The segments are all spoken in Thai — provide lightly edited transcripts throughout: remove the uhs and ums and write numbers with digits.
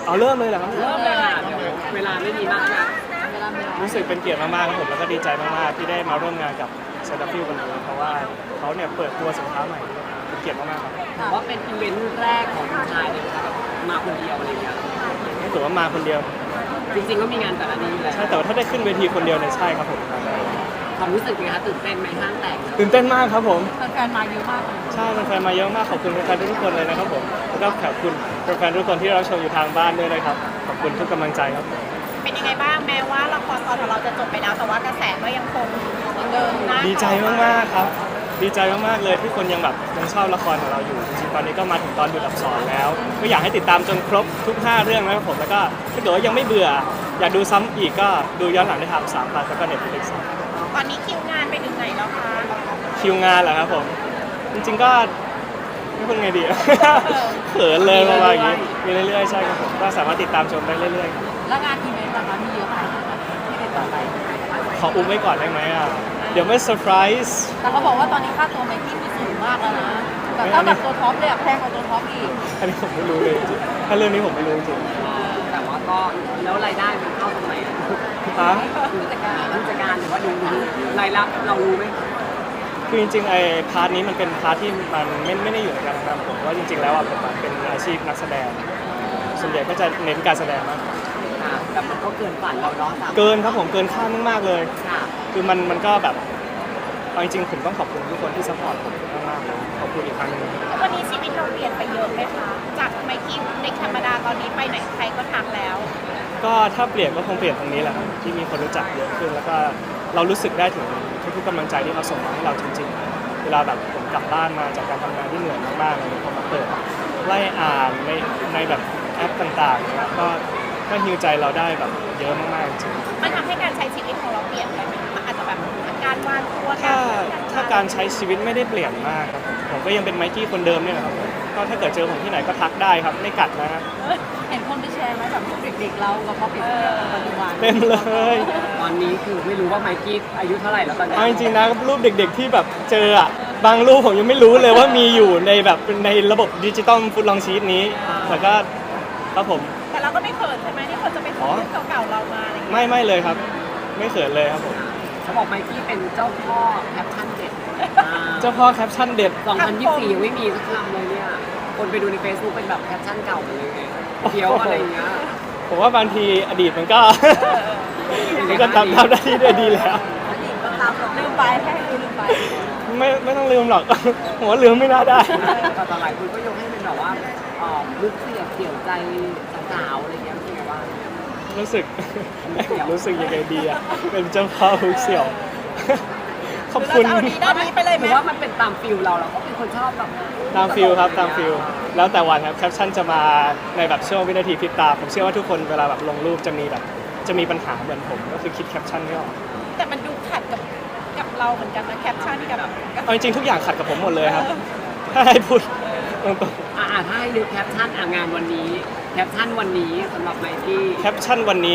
เอาเริ่มเลยเหรอครับเริ่มเลยค่ะเดี๋ยวเวลาไม่มีมากนะรู้สึกเป็นเกียรติมากๆครับผมแล้วก็ดีใจมากๆที่ได้มาร่วมงานกับเซนต์ฟิลวันนี้เพราะว่าเขาเนี่ยเปิดตัวสินค้าใหม่เป็นเกียรติมากๆครับถือว่าเป็นอีเวนต์แรกของคุณชายเลยค่ะแบบมาคนเดียวอะไรเงี้ยไม่ถือว่ามาคนเดียวจริงๆก็มีงานแต่ละนี้อยู่แล้วใช่แต่ว่าถ้าได้ขึ้นเวทีคนเดียวเนี่ยใช่ครับผมความรู้สึกเป็นไงคะตื่นเต้นไหมห้างแตกตื่นเต้นมากครับผมแฟนๆมาเยอะมากเลยใช่แฟนๆมาเยอะมากขอบคุณแฟนๆทุกคนเลยนะครับผมแล้วก็ขอบคุณแฟนๆทุกคนที่เราชมอยู่ทางบ้านด้วยนะครับขอบคุณทุกกำลังใจครับเป็นยังไงบ้างแม้ว่าละครตอนของเราจะจบไปแล้วแต่ว่ากระแสก็ยังคงเดินหน้าดีใจมากๆครับดีใจมากๆเลยที่คนยังแบบยังชอบละครของเราอยู่จริงๆตอนนี้ก็มาถึงตอนดูอับสรแล้วก็อยากให้ติดตามจนครบทุก5เรื่องนะครับผมแล้วก็ถ้าเกิดว่ายังไม่เบื่ออยากดูซ้ำอีกก็ดูย้อนหลังได้ทาง3 แล้วก็ Netflix ตอนนี้คิวงานไปถึงไหนแล้วคะคิวงานเหรอครับผมจริงๆก็ไม่พูดไงดี เขินเลยประมาณอย่างนี้มีเรื่อยๆใช่ครับผมก็สามารถติดตามชมได้เรื่อยๆครับแล้วงานอีเวนต์ล่ะคะมีเยอะไหมที่ติดต่อไปขออุ้มไว้ก่อนได้ไหมอ่ะเดี๋ยวไม่เซอร์ไพรส์แต่เขาบอกว่าตอนนี้ค่าตัวไมค์กี้มีสูงมากแล้วนะแบบเท่ากับตัวท็อปเลยอะแพงกว่าตัวท็อปอีกอันนี้ผมไม่รู้เลยจริงๆถ้าเรื่องนี้ผมไม่รู้จริงแต่ว่าก็แล้วรายได้มันเข้าตรงไหนอะๆฮะผู้จัดการหรือว่าดูรายรับเรารู้ไหมคือจริงๆไอ้พาร์ทนี้มันเป็นพาร์ทที่มันไม่ได้อยู่ในการทำงานผมว่าจริงๆแล้วอ่ะผมอะเป็นอาชีพนักแสดงส่วนใหญ่ก็จะเน้นการแสดงมากกว่าค่ะแต่มันก็เกินฝันเราเนาะสามเกินครับผมเกินคาดมากๆเลยค่ะคือมันก็แบบเอาจริงๆผมต้องขอบคุณทุกคนที่ซัพพอร์ตผมมากๆเลยขอบคุณอีกครั้งหนึงวันนี้ชีวิตเราเปลี่ยนไปเยอะไหมคะจากไมค์กี้เด็กธรรมดาตอนนี้ไปไหนใครก็ทักแล้วก็ถ้าเปลี่ยนก็คงเปลี่ยนตรงนี้แหละครับที่มีคนรู้จักเยอะขึ้นแล้วก็เรารู้สึกได้ถึงทุกๆกำลังใจที่เขาส่งมาให้เราจริงๆเวลาแบบผมกลับบ้านมาจากการทำงานที่เหนื่อยมากๆเลยพอมาเปิดไล่อ่านในแบบแอปต่างๆเนี่ยก็ฮิวใจเราได้แบบเยอะมากๆจริงมันทำให้การใช้ชีวิตของเราเปลี่ยนไปไหมมันอาจจะแบบการวางตัวถ้าการใช้ชีวิตไม่ได้เปลี่ยนมากครับผมก็ยังเป็นไมกี้คนเดิมเนี่ยแหละครับก็ถ้าเกิดเจอผมที่ไหนก็ทักได้ครับไม่กัดนะฮะเห็นคนไปแชร์ไหมแบบรูปเด็กๆเรากับพอเปลี่ยนปัจจุบันเต็มเลยตอนนี้คือไม่รู้ว่าไมค์กี้อายุเท่าไหร่แล้วตอนนี้เอาจริงๆนะรูปเด็กๆที่แบบเจออ่ะบางรูปผมยังไม่รู้เลยว่ามีอยู่ในแบบในระบบดิจิตอลฟุตลองชีตนี้แต่ก็ครับผมแต่เราก็ไม่เขินใช่ไหมที่คนจะไปพูดเรื่องเก่าๆเรามาอะไรอย่างเงี้ยไม่เลยครับ ไม่เขินเลยครับผมเขาบอกไมค์กี้เป็นเจ้าพ่อแคปชั่นเด็ดเจ้าพ่อแคปชั่นเด็ด 2024ยังไม่มีสักคำเลยเนี่ยคนไปดูใน Facebook เป็นแบบแคปชั่นเก่าหมดเลยไงเคี้ยวอะไรอย่างเงี้ยผมว่าบางทีอดีตมันก็ มันก็ทำหน้าที่ได้ดีแล้วลืมไปให้ลืมไปไม่ต้องลืมหรอก ผมว่าลืมไม่น่าได้แต่ตอนหลายคนก็ยกให้เป็นแบบว่าลึกเสี่ยวใจสาวๆอะไรเงี้ยเป็นไงบ้างรู้สึก รู้สึกยังไงดีอ่ะ เป็นเจ้าพ่อฮุกเสี่ยว ขอบคุณเอาดีด้านนี้ไปเลยไหหมรือว่ามันเป็นตามฟิลเราก็เป็นคนชอบแบบตามฟิลครับตามฟิลแล้วแต่วันครับแคปชั่นจะมาในแบบช่วงวินาทีพริบตาผมเชื่อว่าทุกคนเวลาแบบลงรูปจะมีปัญหาเหมือนผมก็คือคิดแคปชั่นไม่ออกแต่มันดูขัดกับเราเหมือนกันนะแคปชั่นกับเอาจริงๆทุกอย่างขัดกับผมหมดเลยครับ ถ้าให้พูดตรงถ้าให้ดูแคปชั่นงานวันนี้แคปชั่นวันนี้สำหรับไมค์กี้ๆแคปชั่นวันนี้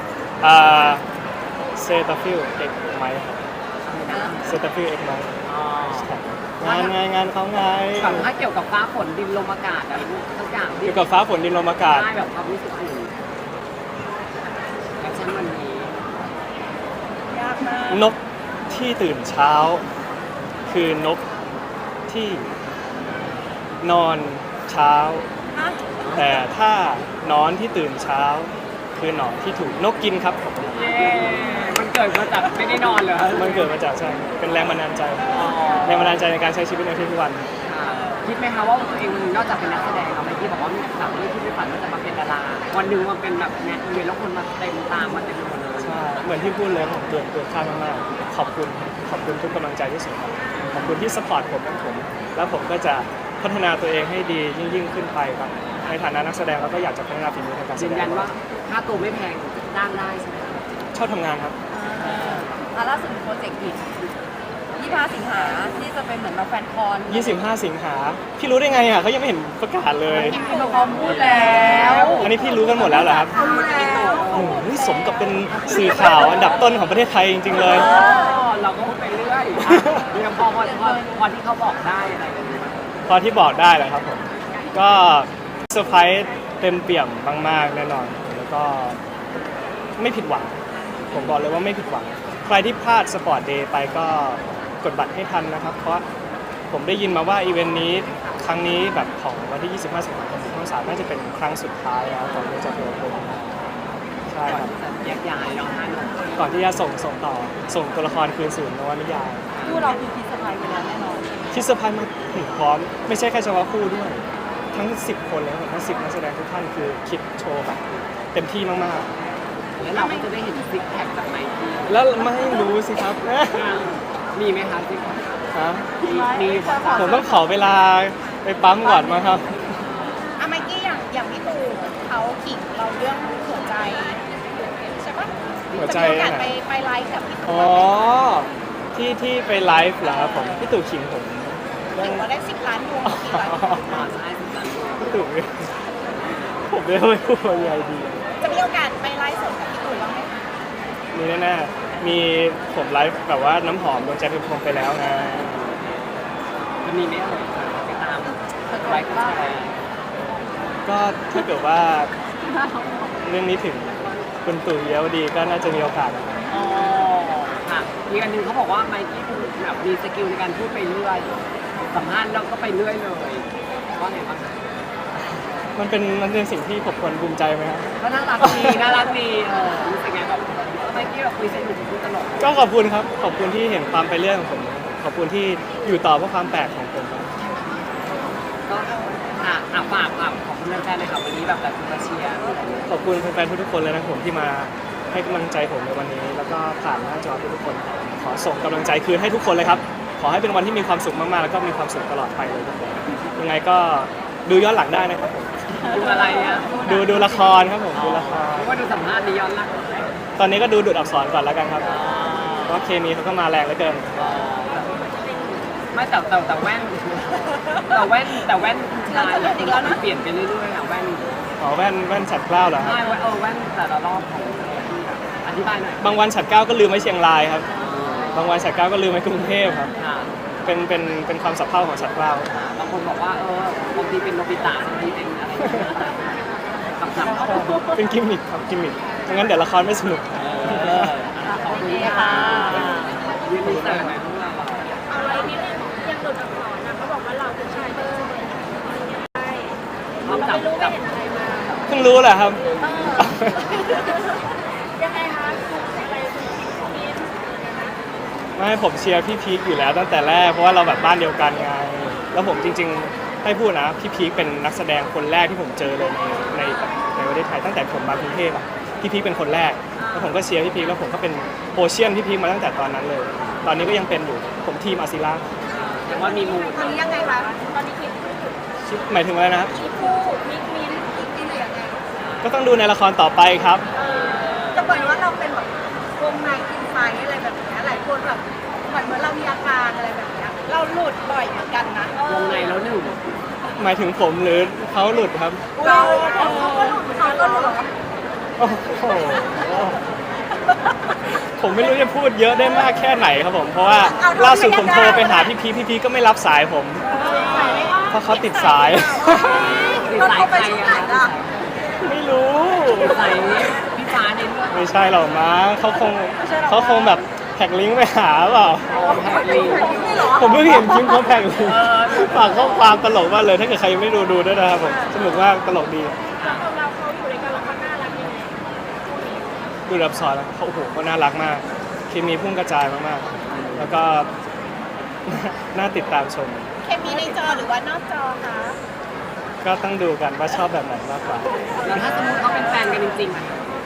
เซตาฟิลเอกไหมเซตาฟิลเอกไหมงานเขาไงแบบถ้าเกี่ยวกับฟ้าฝนดินลมอากาศอะไรทุกอย่างเกี่ยวกับฟ้าฝนดินลมอากาศได้แบบความรู้สึกอื่นแคปชั่นวันนี้ยากมากนกที่ตื่นเช้า คือนกที่นอนเช้าฮะแต่ถ้านอนที่ตื่นเช้า คือหนอนที่ถูกนกกินครับผมเย้มันเกิดมาจากไม่ได้นอนเลยมันเกิดมาจากใช่เป็นแรงบันดาลใจแรงบันดาลใจในการใช้ชีวิตในทุกวันคิดไหมคะว่าตัวเองนอกจากเป็นนักแสดงแล้วไมค์กี้บอกว่าแบบไม่คิดไม่ฝันว่าจะมาเป็นดาราวันหนึ่งมันเป็นแบบงานอีเวนต์แล้วคนมาเต็มตามมาเต็มหมดเลยใช่เหมือนที่พูดเลยผมเกินคาดมากๆขอบคุณทุกกำลังใจที่ส่งมาขอบคุณที่สปอร์ตผมทั้งผม แล้วผมก็จะพัฒนาตัวเองให้ดียิ่งขึ้นไปครับในฐานะนักแสดงเราก็อยากจะพัฒนาฝีมือในการแสยืนดยังนว่าค่าตัวไม่แพงจ้างได้ใช่ไหมชอบทำงานครับล่าสุดมีโปรเจกต์อีก25 สิงหาที่จะเป็นเหมือนเราแฟนคอน 25 สิงหาพี่รู้ได้ไงอ่ะเขายังไม่เห็นประกาศเลยมีมาพร้อมพูดแล้วอันนี้พี่รู้กันหมดแล้วเหรอครับพูดแล้วโอ้โหสมกับเป็นสื่อข่าวอันดับต้นของประเทศไทยจริงๆเลยเราก็พูดไปเรื่อยยังพอที่เขาบอกได้อะไรอย่างเงี้ยพอที่บอกได้แหละครับผม ก็เซอร์ไพรส์เต็มเปี่ยมมากๆแน่นอนแล้วก็ไม่ผิดหวังผมบอกเลยว่าไม่ผิดหวังใครที่พลาดสปอร์ตเดย์ไปก็กดบัตรให้ทันนะครับเพราะผมได้ยินมาว่าอีเวนต์นี้ครั้งนี้แบบของวันที่ 25 สิงหาคมช่อง 3น่าจะเป็นครั้งสุดท้ายแล้วก่อนที่จะเปิดตัวใช่ครับแต่แยกย้ายเนาะฮะหนูก่อนที่จะส่งต่อส่งตัวละครคืนสู่นวนิยายคู่เราคือพิสไพรส์ไปแล้วแน่นอนที่เซอร์ไพรส์มาถึงพร้อมไม่ใช่แค่เฉพาะคู่ด้วยทั้ง 10 คนเลยครับทั้ง 10 นักแสดงทุกท่านคือคิดโชว์แบบเต็มที่มากแล้วเราก็จะได้เห็นซิกแพคจากไมค์กี้ๆ แล้วไม่รู้สิครับมีไหมคะซิกแพคฮะมีอยู่ค่ะผมต้องขอเวลาไปปั๊มก่อนมาครับอะไมกี้อย่างพี่ตู่เขาขิงเราเรื่องหัวใจใช่ปะหัวใจจะมีโอกาสนะไปไลฟ์กับพี่ตู่อ๋อที่ไปไลฟ์เหรอครับผมพี่ตู่ขิงผมเรื่ขิองงว่าได้10 ล้านดวงกี่วันมาใช่สิจ๊ะพี่ตู่ผมไม่รู้จะพูดยังไงดีจะมีโอกาสไปไลฟ์สดกับพี่ตู่บ้างไหมคะมีแน่ๆมีผมไลฟ์แบบว่าน้ำหอมดวงใจเป็นพรหมไปแล้วไงจะมีไหมเอ่ยไปตามไลฟ์ก็ไปก็ถ้าเกิดว่าเรื่องนี้ถึงคุณตู่เยาวดีก็น่าจะมีโอกาสนะครับอ๋อค่ะมีอันหนึงเขาบอกว่าไมค์กี้คือแบบมีสกิลในการพูดไปเรื่อยสัมภาษณ์แล้วก็ไปเรื่อยเลยว่าไงบ้างคะมันเป็นสิ่งที่ผมควรภูมิใจไหมครับก็น่ารักดีน่ารักดีรู้สึกไงแบบไมค์กี้แบบคุยสนุกคุยตลกก็ขอบคุณครับขอบคุณที่เห็นความไปเรื่อยของผมขอบคุณที่อยู่ต่อเพราะความแปลกของผมครับก็ฝากของคุณแฟนๆเลยค่ะวันนี้แบบมาเชียร์ขอบคุณแฟนๆทุกๆคนเลยนะครับผมที่มาให้กำลังใจผมในวันนี้ แล้วก็ผ่านหน้าจอทุกๆคน ขอส่งกำลังใจคืนให้ทุกคนเลยครับ ขอให้เป็นวันที่มีความสุขมากๆแล้วก็มีความสุขตลอดไปเลยทุกคนยังไงก็ดูย้อนหลังได้นะครับผมดูอะไรอ่ะดูละครครับผมดูละครหรือว่าดูสัมภาษณ์นี้ย้อนหลังตอนนี้ก็ดูอักษรก่อนแล้วกันครับเพราะเคมีเขาก็มาแรงเหลือเกินไม่แต่แว่นชายเปลี่ยนไปเรื่อยๆอ่ะแว่นอ๋อแว่นฉัดเกล้าเหรอครับใช่แว่นแต่ละรอบของอธิบายหน่อยบางวันฉัดเกล้าก็ลืมไว้เชียงรายครับ บางวันฉัดเกล้าก็ลืมไว้กรุงเทพครับค่ะเป็นความสับเพร่าของฉัดเกล้าบางคนบอกว่าบางทีเป็นโนบิตะบางทีเป็นอะไรคำๆเขาเป็นกิมมิคครับกิมมิคไม่งั้นเดี๋ยวละครไม่สนุกขอบคุณค่ะยืนดีเซอร์หน่อยพวกเราเอาอะไรนิดนึงยังหลุดอักษรนะเขาบอกว่าเราเป็นชายเบอร์ใช่พร้อมเราจับไม่รู้ไปจับเห็นอะไรมาเพิ่งรู้แหละครับยังไงคะอะไรคุณมิ้นไม่ผมเชียร์พี่พีคอยู่แล้วตั้งแต่แรกเพราะว่าเราแบบบ้านเดียวกันไงแล้วผมจริงๆให้พูดนะพี่พีคเป็นนักแสดงคนแรกที่ผมเจอเลยในประเทศไทยตั้งแต่ผมมากรุงเทพอ่ะพี่พีคเป็นคนแรกแล้วผมก็เชียร์พี่พีคแล้วผมก็เป็นโอเชียนพี่พีคมาตั้งแต่ตอนนั้นเลย ตอนนี้ก็ยังเป็นอยู่ผมทีมอาซิล่าแต่ว่ามีมูลตอนนี้ยังไงคะตอนนี้คิดหมายถึงอะไรนะครับมีคู่มิ้นมิ้นหรือยังไงก็ต้องดูในละครต่อไปครับจะเหมือนว่าเราเป็นแบบวงในกินไฟอะไรแบบนี้หลายคนแบบเหมือนเรามีอาการอะไรแบบนี้เราหลุดบ่อยเหมือนกันนะวงในแล้วหนึ่งหมายถึงผมหรือเขาหลุดครับเราเขาก็หลุดเขาก็หลุดโอ้โหผมไม่รู้จะพูดเยอะได้มากแค่ไหนครับผม เพราะว่าล่าสุดผมโทรไปหาพี่พีก็ไม่รับสายผม เพราะเขาติดสายติดสายใครอ่ะไม่รู้ติดสายพี่ฟ้าเน้นด้วยไม่ใช่หรอกมั้งเขาคงแบบแท็กลิงก์ไปหาเปล่าแพทลีผมเพิ่งเห็นคลิปเขาแท็กลิงก์ฝากข้อความตลกมากเลย ถ้าเกิดใครยังไม่ดูด้วยนะครับผมสนุกมากตลกดีเราเขาอยู่ในการละครน่ารักยังไงดูรับสอนแล้วเขาโอ้โหเขาน่ารักมากเคมีพุ่งกระจายมากๆ แล้วก็ น่าติดตามชมเคมีในจอหรือว่านอกจอคะก็ต้องดูกันว่าชอบแบบไหนมากกว่าแล้วถ้าสมมติเขาเป็นแฟนกันจริงๆอ่ะ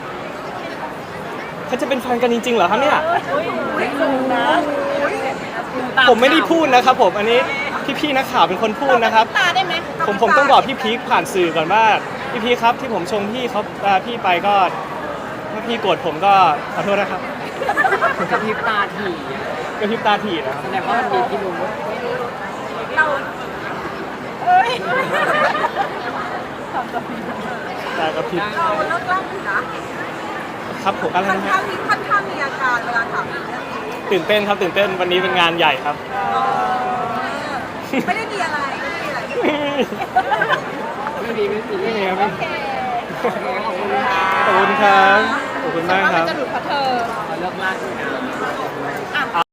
เขาจะเป็นแฟนกันจริงๆเหรอครับเนี่ยไม่รู้นะตาผมไม่ได้พูดนะครับผม อันนี้พี่ๆนักข่าวเป็นคนพูดนะครับตาได้ไหมผมต้องบอกพี่พีคผ่านสื่อก่อนว่าพี่พีคครับที่ผมชมพี่เขาพี่ไปก็ถ้าพี่โกรธผมก็ขอโทษนะครับกระพริบตาถี่อะก็พริบตาถีนะครับแสดงว่ามันมีพี่รู้เราเอ้ยตากระพริบเราเลิกล่างอยู่นะครับผมอะไรนะฮะค่อนข้างมีอาการเวลาถามเรื่องนี้ตื่นเต้นครับตื่นเต้นวันนี้เป็นงานใหญ่ครับไม่ได้มีอะไรไม่ได้มีอะไรไม่มีไม่มีครับโอเคขอบคุณค่ะขอบคุณครับขอบคุณมากครับจะหลุดเพราะเธอขอเลิกลากด้วยนะ